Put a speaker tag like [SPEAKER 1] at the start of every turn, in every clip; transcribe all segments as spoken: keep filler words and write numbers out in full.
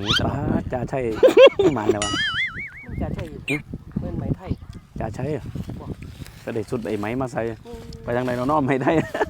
[SPEAKER 1] นี้ตลอด
[SPEAKER 2] จ่าใช่หมันเลยวะ
[SPEAKER 3] จ่าใช่เมื่อไหมไทย
[SPEAKER 2] จ่าใช่ก็ได้สุดไอ้ไหมมาใส่ไปทางไหนเราน้อมไม่ได้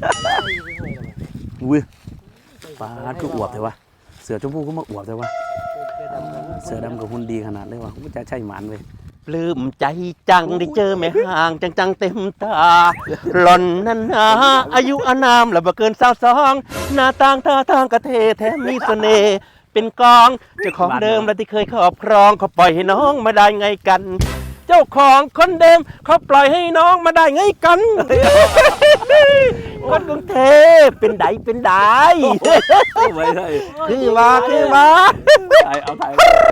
[SPEAKER 2] อุ้ยปลาคืออวบเลยวะเสือชมพูก็มาอวบเลยวะเสือดำกับหุ่นดีขนาดเลยวะจ่าใช่หมันเลย
[SPEAKER 1] ปลื้มใจจังได้เจอแม่ห่างจังจังเต็มตาหล่อนนั้นนาอายุอานามและบ่เกินสาวสองหน้าต่างท่าทางกระเทแถมมีเสน่ห์เป็นกองเจ้าของเดิมและที่เคยครอบครองเขาปล่อยให้น้องมาได้ไงกันเจ้าของคนเดิมเขาปล่อยให้น้องมาได้ไงกันคนกรุงเทพเป็นไดเป็นไดคือว่าคือว่า
[SPEAKER 2] เอาถ่าย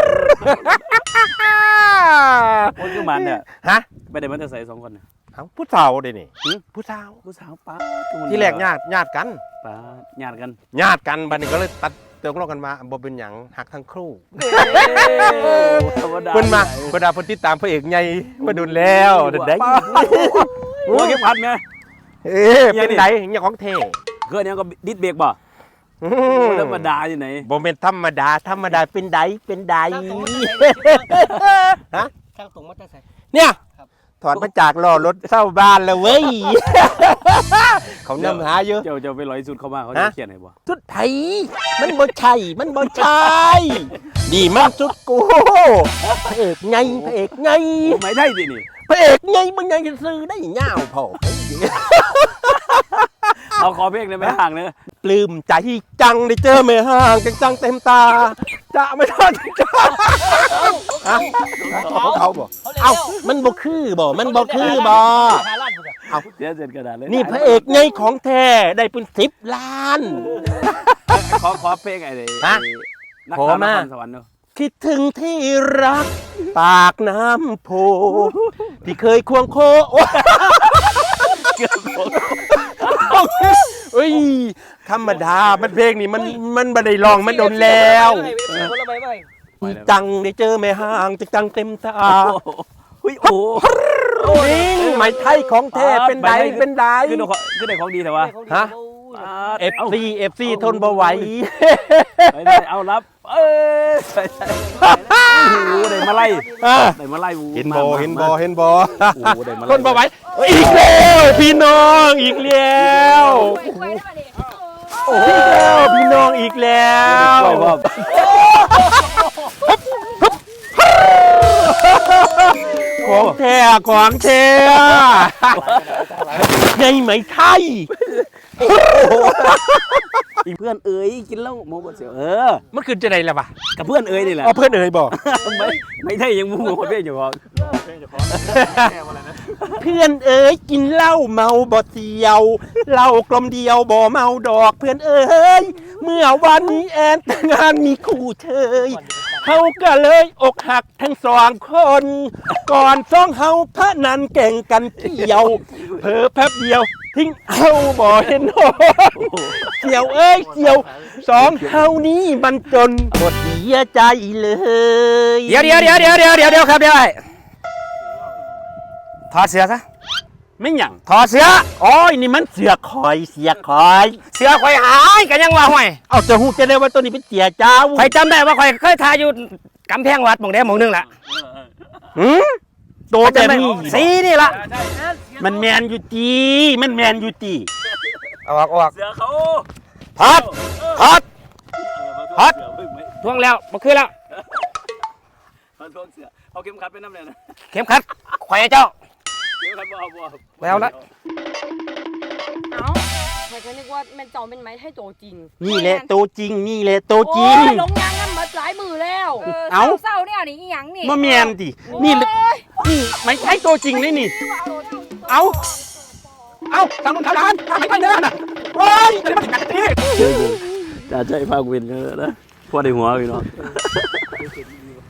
[SPEAKER 2] คนคือมันเนี่ย
[SPEAKER 1] ฮะ
[SPEAKER 2] ไปได้มันจะใส่สองคนเนี่ย
[SPEAKER 1] เอาผู้สาวเดี๋ยวนี้ผู้สาว
[SPEAKER 2] ผู้สาวป้า
[SPEAKER 1] ที่แรกญาติญาติกัน
[SPEAKER 2] ป้าญาติกัน
[SPEAKER 1] ญาติกันบัดนี้ก็เลยตัดเติมลงกันมาบ่เป็นหยังหักทั้งครู่เพิ่นมาเพิ่นดาเพิ่นติดตามพระเอกใหญ่มาดุนแล้วได้
[SPEAKER 2] โอ้ยเก็บพัดไง
[SPEAKER 1] เอ๊ะเป็นไดเนี่ยของเท่
[SPEAKER 2] เกิดเนี่ยก็ดิดเบรกบ่ธรรมดาอยู่ไหน
[SPEAKER 1] บ่เป็นธรรมดาธรรมดาเป็นไดเป็นไดฮะ
[SPEAKER 3] ช่างตรงมาตั้งใส่
[SPEAKER 1] เนี่ยถอนมาจากล้อรถเศร้าบ้านแล้วเว้ยเขานำหาเยอะ
[SPEAKER 2] เจ้าเจ้าไปร้อยสุดเข้ามาเขาจะเขียนให้บ่
[SPEAKER 1] สุดไทยมันบ่ใช่มันบ่ใช่ดีมากสุดกูพระเอกไงพระเอกไง
[SPEAKER 2] ไม่ได้สินี่
[SPEAKER 1] พระเอกไงมึงยังจะซื้อได้เงาพอ
[SPEAKER 2] เอาขอเพลงเลยไม่ห่างเลย
[SPEAKER 1] ปลื้มใจจังได้เจอแม่ห่างจังจังเต็มตาจะไม่ทอดจ้าเขาบอกเอ้ามันบ่คือบ่มันบ่คือบ่
[SPEAKER 2] เอาเสียเสร็จกระดาษเลย
[SPEAKER 1] นี่พระเอกไงของแท้ได้เป็นสิบล้าน
[SPEAKER 2] ขอขอเพลงไอ้เลย
[SPEAKER 1] ขอมา
[SPEAKER 2] สวรรค์เนาะ
[SPEAKER 1] คิดถึงที่รักปากน้ำโพที่เคยควงโคเฮ้ยธรรมดามันเพลงนี้มันมันบันไดลองมันโดนแล้วจังได้เจอแม่ห่างจังเต็มตา
[SPEAKER 2] โอ้ยโอ้
[SPEAKER 1] ยไหมไทยของแท้เป็นไดเป็นได
[SPEAKER 2] คือคือได้ของดีแต่ว่า
[SPEAKER 1] ฮะเอฟซีเอฟซีทนบ่ไหว
[SPEAKER 2] เอารับเอ้ยได้มาไล่ได้มาไล่
[SPEAKER 1] เห็นบ่เห็นบ่เห็นบ่ทนบ่ไหวอีกแล้วพี่น้องอีกแล้วโอ้พี่น้องอีกแล้วของแท้ของแท้ในไหมไทย
[SPEAKER 2] อีเพื่อนเอ๋ยกินเหล้าโมบเสียวเออ
[SPEAKER 1] มันคือจะไหนล่ะปะ
[SPEAKER 2] กับเพื่อนเอ๋ยนี่แหละ
[SPEAKER 1] อ๋อเพื่อนเอ๋ยบอก
[SPEAKER 2] ไม่ไม่ใช่ยังมูโมคนเพื่อนอยู่พอ
[SPEAKER 1] เพื่อนเอ๋ยกินเหล้าเมาบ่เสียวเหล้ากลมเดียวบ่เมาดอกเพื่อนเอ๋ยเมื่อวันนี้แอนแต่งงานมีคู่เชยเฮาก็เลยอกหักทั้งสองคนก่อนสองเฮาพระนันแก่งกันเกี่ยวเผลอแป๊บเดียวทิ้งเฮาบ่เห็นโหเกี่ยวเอ้ยเกี่ยวสองเฮานี้มันจนหมดเสียใจเลย
[SPEAKER 2] เดี๋ยวเดี๋ยวเดี๋ยวเดี๋ยวเดี๋ยวเดี๋ยวเดี๋ยวครับเดี๋ยวถอดเสื้อซะไม่หยัง
[SPEAKER 1] ถอดเสื้อโอ้ยนี่มันเสือคอยเสือคอย
[SPEAKER 2] เสือคอยหายกันยังว่าห่วย
[SPEAKER 1] เอาจะหูจะได้ว่าตัวนี้เป็นเสือเจ้า
[SPEAKER 2] ใครจำได้ว่าใครเคยทายอยู่กำแพงวัดหม่องใดหม่องนึงแหละ
[SPEAKER 1] หืมโตแบบนี้
[SPEAKER 2] สีนี่ละ
[SPEAKER 1] มันแมนอยู่จีมันแมนอยู่จี
[SPEAKER 2] เอาออกออกเสือเขา
[SPEAKER 1] ถอดถอดถอด
[SPEAKER 2] ทวงแล้วมาขึ้นแล้วทวงเสือเอาเข็มขัดไปน้ำเลยนะ
[SPEAKER 1] เข็มขัดแขวนเจ้า
[SPEAKER 2] แล้วละ
[SPEAKER 4] เอ้าใครจะนึกว่าแม่เจ้าเป็นไม้ให้โตจริง
[SPEAKER 1] นี่แหละโตจริงนี่แหละโตจริง
[SPEAKER 4] ลงยางกันมาหลายมือแล้ว
[SPEAKER 1] เอ้า
[SPEAKER 4] เศร้าเนี่ยนี่อีหยังนี่
[SPEAKER 1] มาแมนดินี่นี่ไม่ใช่โตจริงเลยนี่เอ้าเอ้าทางทางร้านทางไหนไปเนี่ยน่ะโอ้ยจะมาถึงกันที่
[SPEAKER 2] จะใจภาควินเยอะนะพอได้หัวพี่น้อง